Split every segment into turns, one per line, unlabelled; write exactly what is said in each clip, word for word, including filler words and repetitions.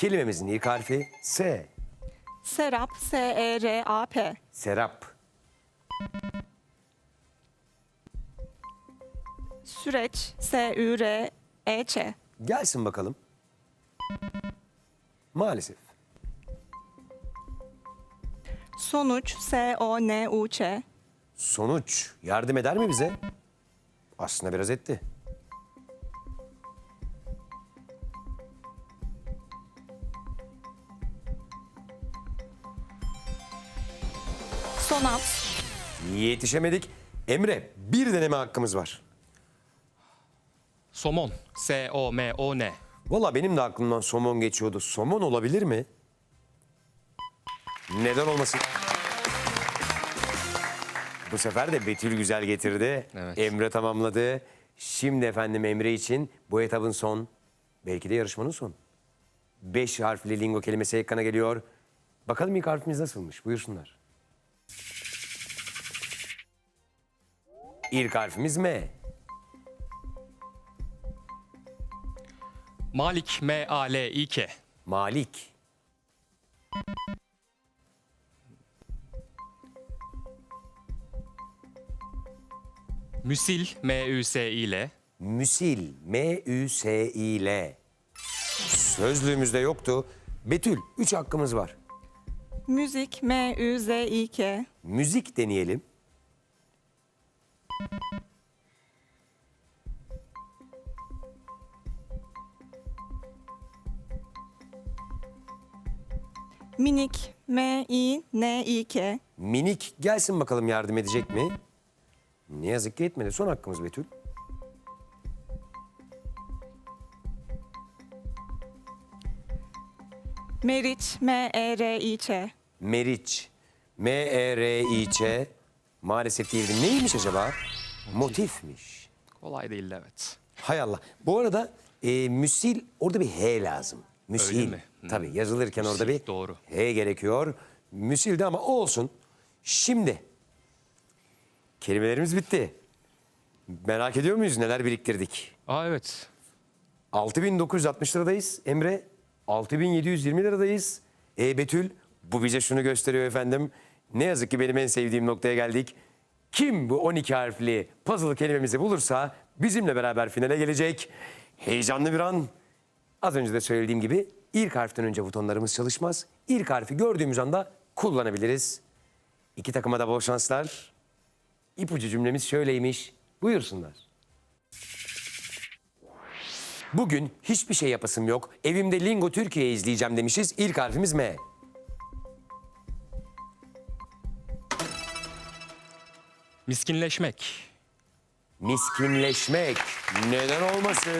Kelimemizin ilk harfi S.
Serap, S E R A P.
Serap.
Süreç, S Ü R E Ç.
Gelsin bakalım. Maalesef.
Sonuç, S O N U Ç.
Sonuç yardım eder mi bize? Aslında biraz etti.
Sonat,
Yetişemedik. Emre, bir deneme hakkımız var.
Somon. S O M O N.
Valla benim de aklımdan somon geçiyordu. Somon olabilir mi? Neden olmasın? Bu sefer de Betül güzel getirdi.
Evet.
Emre tamamladı. Şimdi efendim Emre için bu etabın son, belki de yarışmanın son. Beş harfli lingo kelimesi ekrana geliyor. Bakalım ilk harfimiz nasılmış? Buyursunlar. İlk harfimiz M.
Malik. M A L İ K.
Malik.
Müsil. M Ü S İ L.
Müsil. M Ü S İ L. Sözlüğümüzde yoktu. Betül, üç hakkımız var.
müzik, M Ü Z İ K.
Müzik deneyelim.
Minik, M İ N İ K.
Minik gelsin bakalım yardım edecek mi? Ne yazık ki etmedi. Son hakkımız Betül.
Meriç, M E R İ Ç.
Meriç. M E R İ Ç. Maalesef değildi. Neymiş acaba? Motifmiş.
Kolay değildi, evet.
Hay Allah. Bu arada e, müsil orada bir H lazım. Müsil.
Öyle mi? Hmm.
Tabii yazılırken orada
Müsil,
bir
doğru.
H gerekiyor. Müsildi ama olsun. Şimdi kelimelerimiz bitti. Merak ediyor muyuz neler biriktirdik?
Aa, evet.
altı bin dokuz yüz altmış liradayız Emre. altı bin yedi yüz yirmi liradayız. E Betül, bu bize şunu gösteriyor efendim. Ne yazık ki benim en sevdiğim noktaya geldik. Kim bu on iki harfli puzzle kelimemizi bulursa bizimle beraber finale gelecek. Heyecanlı bir an. Az önce de söylediğim gibi ilk harften önce butonlarımız çalışmaz. İlk harfi gördüğümüz anda kullanabiliriz. İki takıma da bol şanslar. İpucu cümlemiz şöyleymiş. Buyursunlar. Bugün hiçbir şey yapasım yok. Evimde Lingo Türkiye izleyeceğim demişiz. İlk harfimiz M.
Miskinleşmek.
Miskinleşmek. Neden olmasın?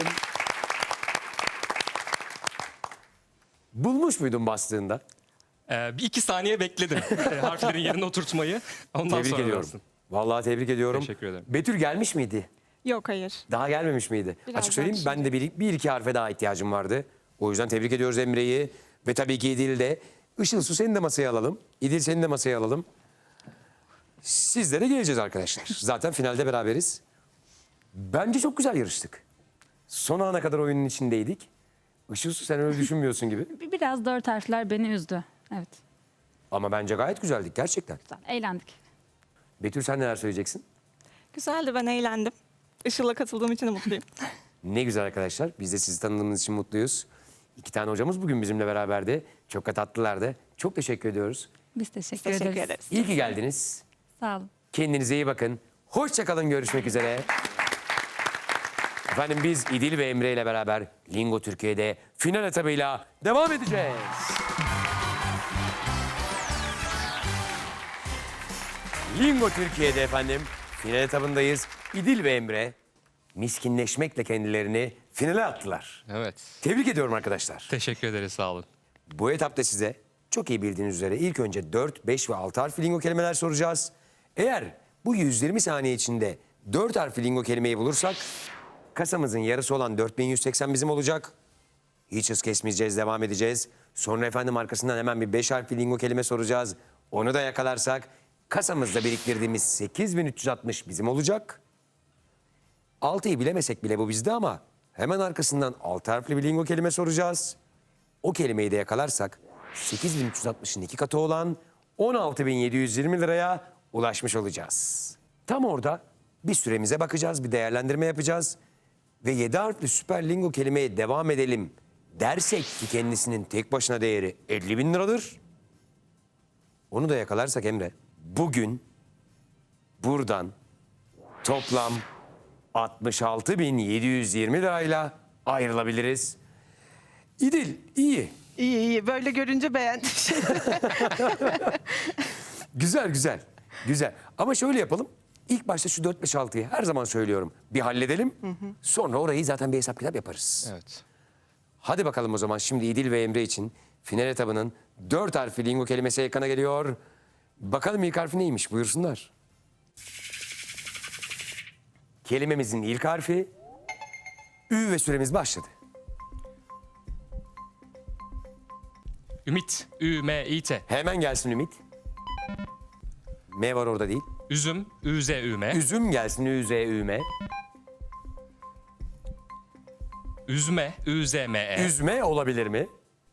Bulmuş muydun bastığında?
Ee, bir iki saniye bekledim e, harflerin yerine oturtmayı. Ondan
Tebrik
sonra
ediyorum.
bastım.
Vallahi tebrik ediyorum.
Teşekkür ederim.
Betül gelmiş miydi?
Yok, hayır.
Daha gelmemiş miydi?
Biraz
Açık söyleyeyim
daha
ben de bir, bir iki harfe daha ihtiyacım vardı. O yüzden tebrik ediyoruz Emre'yi. Ve tabii ki İdil'i de. Işıl Su seni de masaya alalım. İdil seni de masaya alalım. Sizlere geleceğiz arkadaşlar. Zaten finalde beraberiz. Bence çok güzel yarıştık. Son ana kadar oyunun içindeydik. Işıl Su sen öyle düşünmüyorsun gibi.
Bir- Biraz dört harfler beni üzdü. Evet,
Ama bence gayet güzeldik gerçekten.
güzel. Eğlendik.
Betül sen neler söyleyeceksin?
Güzeldi, ben eğlendim. Işıl'la katıldığım için de mutluyum.
Ne güzel arkadaşlar. Biz de sizi tanıdığımız için mutluyuz. İki tane hocamız bugün bizimle beraberdi. Çok da tatlılardı. Çok teşekkür ediyoruz.
Biz teşekkür,
Teşekkür
ederiz.
ederiz.
İyi ki geldiniz.
Sağ olun.
Kendinize iyi bakın. Hoşça kalın. Görüşmek üzere. Efendim biz İdil ve Emre ile beraber Lingo Türkiye'de final etabıyla devam edeceğiz. Lingo Türkiye'de efendim final etabındayız. İdil ve Emre miskinleşmekle kendilerini finale attılar.
Evet.
Tebrik ediyorum arkadaşlar.
Teşekkür ederiz, sağ olun.
Bu etapta size çok iyi bildiğiniz üzere ilk önce dört, beş ve altı harfli lingo kelimeler soracağız. Eğer bu yüz yirmi saniye içinde dört harfli lingo kelimeyi bulursak kasamızın yarısı olan dört bin yüz seksen bizim olacak. Hiç hız kesmeyeceğiz, devam edeceğiz. Sonra efendim arkasından hemen bir beş harfli lingo kelime soracağız. Onu da yakalarsak kasamızda biriktirdiğimiz sekiz bin üç yüz altmış bizim olacak. altıyı bilemesek bile bu bizde ama hemen arkasından altı harfli bir lingo kelime soracağız. o kelimeyi de yakalarsak sekiz bin üç yüz altmışın iki katı olan on altı bin yedi yüz yirmi liraya ulaşmış olacağız. Tam orada bir süremize bakacağız, bir değerlendirme yapacağız ve yedi harfli süper lingo kelimeye devam edelim dersek ki kendisinin tek başına değeri elli bin liradır. Onu da yakalarsak Emre, bugün buradan toplam altmış altı bin yedi yüz yirmi lirayla ayrılabiliriz. İdil, iyi.
İyi iyi. Böyle görünce beğendim.
Güzel, güzel. Güzel. Ama şöyle yapalım. İlk başta şu dört beş altıyı her zaman söylüyorum. Bir halledelim. Sonra orayı zaten bir hesap kitap yaparız.
Evet.
Hadi bakalım o zaman şimdi İdil ve Emre için final etabının dört harfli lingo kelimesi ekrana geliyor. Bakalım ilk harfi neymiş, buyursunlar. Kelimemizin ilk harfi Ü ve süremiz başladı.
Ümit. Ü, M, İ, T.
Hemen gelsin Ümit. M var orada değil.
Üzüm. Ü, Z, Ü, M.
Üzüm gelsin Ü, Z, Ü, M.
Üzme. Ü, Z, M, E.
Üzme olabilir mi?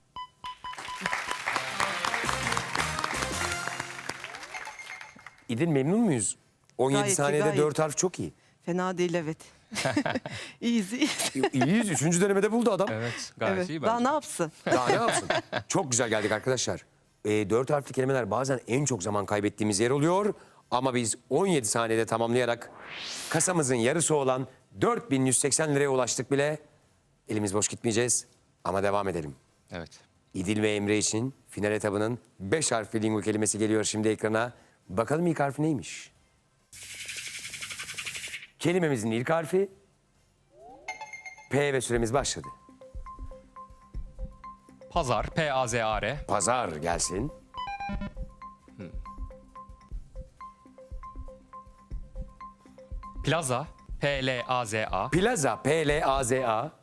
İdil memnun muyuz? on yedi
Gayet iyi,
saniyede
gayet.
dört harf çok iyi.
Fena değil evet. İyiyiz iyiyiz.
İyiyiz. Üçüncü denemede buldu adam.
Evet. Gayet
Evet.
iyi
Daha
bence.
ne yapsın?
Daha ne yapsın? Çok güzel geldik arkadaşlar. E, dört harfli kelimeler bazen en çok zaman kaybettiğimiz yer oluyor. Ama biz on yedi saniyede tamamlayarak kasamızın yarısı olan dört bin yüz seksen liraya ulaştık bile. Elimiz boş gitmeyeceğiz ama devam edelim.
Evet.
İdil ve Emre için final etabının beş harfli lingo kelimesi geliyor şimdi ekrana. Bakalım ilk harfi neymiş? Kelimemizin ilk harfi P ve süremiz başladı.
Pazar. P, A, Z, A, R.
Pazar gelsin.
Plaza. P, L, A, Z, A.
Plaza, P L A Z A.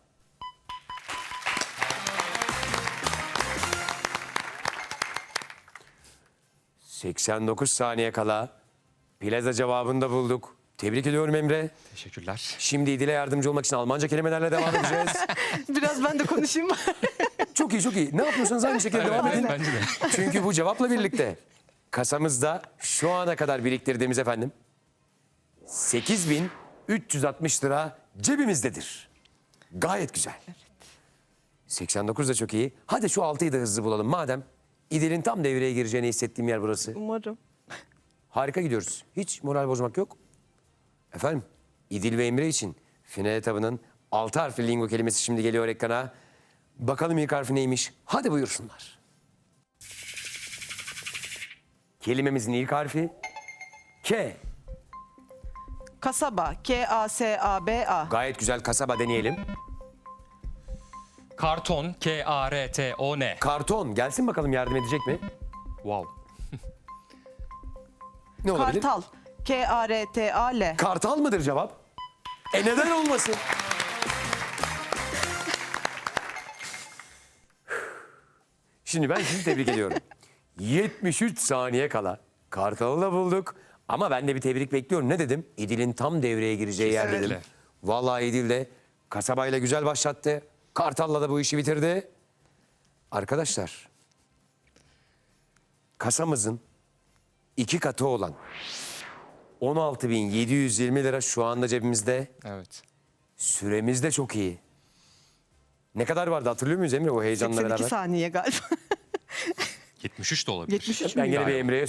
seksen dokuz saniye kala plaza cevabını da bulduk. Tebrik ediyorum Emre.
Teşekkürler.
Şimdi İdil'e yardımcı olmak için Almanca kelimelerle devam edeceğiz.
Biraz ben de konuşayım.
Çok iyi, çok iyi. Ne yapıyorsanız aynı şekilde devam edin.
Bence de.
Çünkü bu cevapla birlikte kasamızda şu ana kadar biriktirdiğimiz efendim sekiz bin üç yüz altmış lira cebimizdedir. Gayet güzel. seksen dokuz da çok iyi. Hadi şu altıyı da hızlı bulalım. Madem İdil'in tam devreye gireceğini hissettiğim yer burası.
Umarım.
Harika gidiyoruz. Hiç moral bozmak yok. Efendim İdil ve Emre için final etabının altı harfli lingo kelimesi şimdi geliyor ekrana. Bakalım ilk harfi neymiş? Hadi buyursunlar. Kelimemizin ilk harfi K.
Kasaba. K A S A B A.
Gayet güzel, kasaba deneyelim.
Karton. K, A, R, T, O, N.
Karton gelsin bakalım, yardım edecek mi?
Wow.
Ne olabilir?
Kartal. K A R T A L.
Kartal mıdır cevap? E neden olmasın? Şimdi ben sizi tebrik ediyorum. yetmiş üç saniye kala Kartal'ı da bulduk. Ama ben de bir tebrik bekliyorum. Ne dedim? İdil'in tam devreye gireceği yer dedim.
Kesinlikle.
Vallahi İdil de kasabayla güzel başlattı. Kartal'la da bu işi bitirdi. Arkadaşlar, kasamızın iki katı olan on altı bin yedi yüz yirmi lira şu anda cebimizde.
Evet.
Süremiz de çok iyi. Ne kadar vardı hatırlıyor muyuz Emre o heyecanla
seksen iki
beraber?
saniye galiba.
yetmiş üç de olabilir.
yetmiş üç
Ben
mü?
gene bir
Galiba.
Emre'ye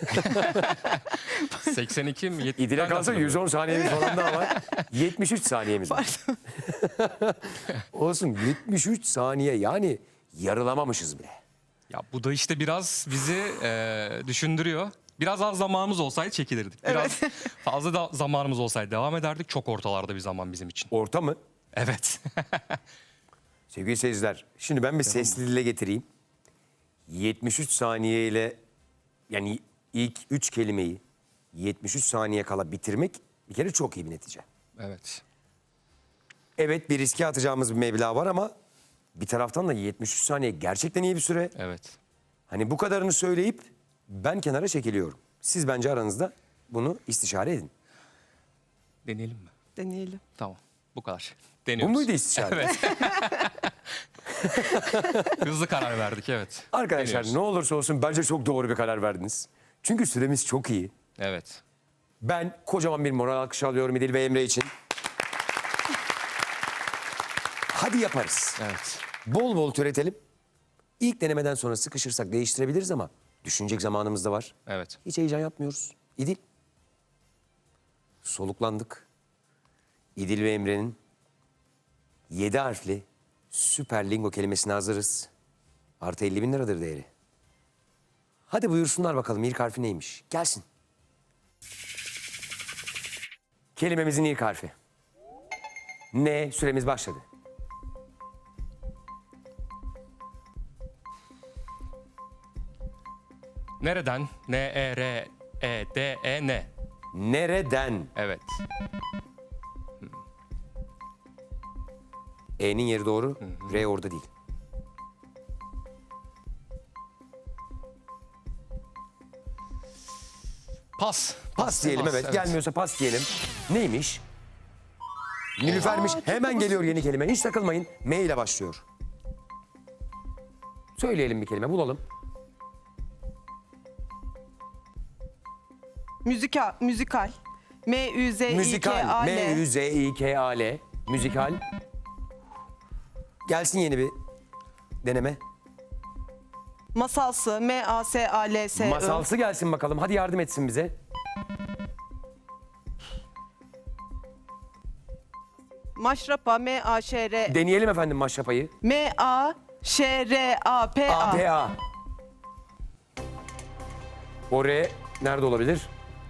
seksen iki mi? yetmiş
İdil'e
Ben de
kalsa
hatırlamıyorum.
yüz on saniyemiz falan daha var. yetmiş üç saniyemiz var. Olsun, yetmiş üç saniye, yani yarılamamışız bile.
Ya bu da işte biraz bizi e, düşündürüyor. Biraz az zamanımız olsaydı çekilirdik. Biraz fazla da zamanımız olsaydı devam ederdik. Çok ortalarda bir zaman bizim için.
Orta mı?
Evet.
Sevgili seyirciler, şimdi ben bir sesli dile getireyim. yetmiş üç saniye ile, yani ilk üç kelimeyi yetmiş üç saniye kala bitirmek bir kere çok iyi bir netice.
Evet.
Evet, bir riske atacağımız bir meblağ var ama bir taraftan da yetmiş üç saniye gerçekten iyi bir süre.
Evet.
Hani bu kadarını söyleyip ben kenara çekiliyorum. Siz bence aranızda bunu istişare edin.
Deneyelim mi?
Deneyelim.
Tamam. Bu kadar.
Bu
Deniyoruz.
muydu istişare?
Evet. Hızlı karar verdik, evet.
Arkadaşlar
Deniyoruz.
ne olursa olsun bence çok doğru bir karar verdiniz. Çünkü süremiz çok iyi.
Evet.
Ben kocaman bir moral alkışı alıyorum İdil ve Emre için. Hadi yaparız.
Evet.
Bol bol türetelim. İlk denemeden sonra sıkışırsak değiştirebiliriz ama düşünecek zamanımız da var.
Evet.
Hiç heyecan yapmıyoruz. İdil. Soluklandık. İdil ve Emre'nin yedi harfli süper lingo kelimesine hazırız. Artı elli bin liradır değeri. Hadi buyursunlar bakalım ilk harfi neymiş? Gelsin. Kelimemizin ilk harfi. Ne? Süremiz başladı.
Nereden? N-E-R-E-D-E-N.
Nereden?
Evet.
E'nin yeri doğru, R orada değil.
Pas.
Pas diyelim evet. Gelmiyorsa pas diyelim. Neymiş? Nilüfermiş. Hemen geliyor yeni kelime. Hiç takılmayın. M ile başlıyor. Söyleyelim bir kelime bulalım.
Müzika, müzikal. M Ü Z İ K
Müzikal.
A
M Ü
L.
Z İ K A L. Müzikal. Gelsin yeni bir deneme.
Masalsı. M A S A L S I.
Masalsı gelsin bakalım. Hadi yardım etsin bize.
Maşrapa. M A Ş R.
Deneyelim efendim maşrapayı.
M A Ş R A P
A,
A.
P, A. O R nerede olabilir?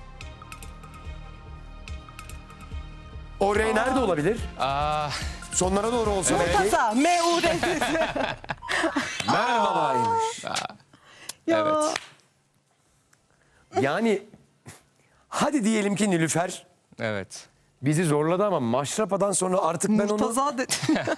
O R nerede olabilir?
Aa,
Sonlara doğru olsa belki.
Kasa. M U R.
Merhabaymış.
Ya.
evet.
Yani hadi diyelim ki Nilüfer
Evet.
bizi zorladı ama maşrapadan sonra artık ben onu...
Murtaza dedi.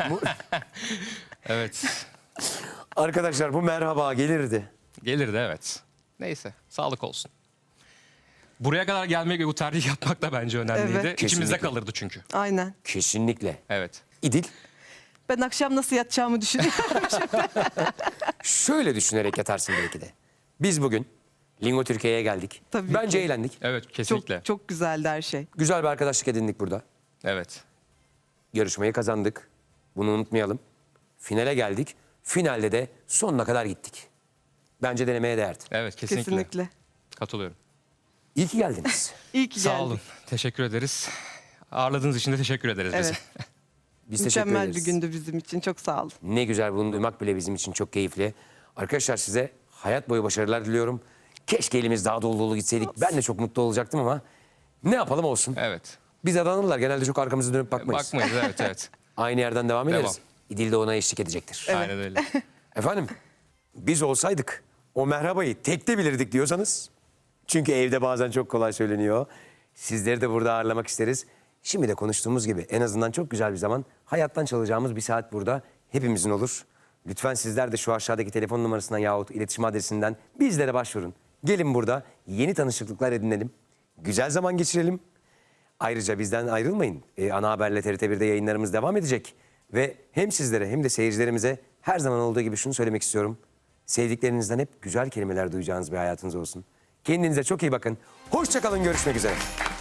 Evet.
Arkadaşlar bu merhaba gelirdi.
Gelirdi, evet. Neyse. Sağlık olsun. Buraya kadar gelmek ve bu tercih yapmak da bence önemliydi.
Evet.
İçimizde
Kesinlikle.
kalırdı çünkü.
Aynen.
Kesinlikle.
Evet.
İdil
Ben akşam nasıl yatacağımı düşünüyorum.
şöyle düşünerek yatarsın belki de. Biz bugün Lingo Türkiye'ye geldik.
Tabii
Bence
ki.
eğlendik.
Evet,
çok,
kesinlikle.
çok güzeldi her şey.
Güzel bir arkadaşlık edindik burada.
Evet.
Yarışmayı kazandık. Bunu unutmayalım. Finale geldik. Finalde de sonuna kadar gittik. Bence denemeye değerdi.
Evet, kesinlikle.
Kesinlikle.
Katılıyorum.
İyi ki geldiniz.
İyi ki
Sağ
geldik.
olun. Teşekkür ederiz. Ağırladığınız için de teşekkür ederiz bize.
Evet.
Biz teşekkür
Mükemmel
ederiz.
bir gündü bizim için. Çok sağ olun.
Ne güzel bunu duymak bile bizim için çok keyifli. Arkadaşlar size hayat boyu başarılar diliyorum. Keşke elimiz daha dolu dolu gitseydik. Ben de çok mutlu olacaktım ama ne yapalım olsun.
Evet.
Biz adanırlar genelde çok arkamızı dönüp bakmayız.
Bakmayız, evet evet.
Aynı yerden devam ederiz.
Devam.
İdil de ona eşlik edecektir.
Aynen öyle.
Efendim biz olsaydık o merhabayı tekte bilirdik diyorsanız. Çünkü evde bazen çok kolay söyleniyor. Sizleri de burada ağırlamak isteriz. Şimdi de konuştuğumuz gibi en azından çok güzel bir zaman hayattan çalacağımız bir saat burada hepimizin olur. Lütfen sizler de şu aşağıdaki telefon numarasından yahut iletişim adresinden bizlere başvurun. Gelin burada yeni tanışıklıklar edinelim. Güzel zaman geçirelim. Ayrıca bizden ayrılmayın. Ee, ana haberle T R T bir'de yayınlarımız devam edecek. Ve hem sizlere hem de seyircilerimize her zaman olduğu gibi şunu söylemek istiyorum. Sevdiklerinizden hep güzel kelimeler duyacağınız bir hayatınız olsun. Kendinize çok iyi bakın. Hoşça kalın, görüşmek üzere.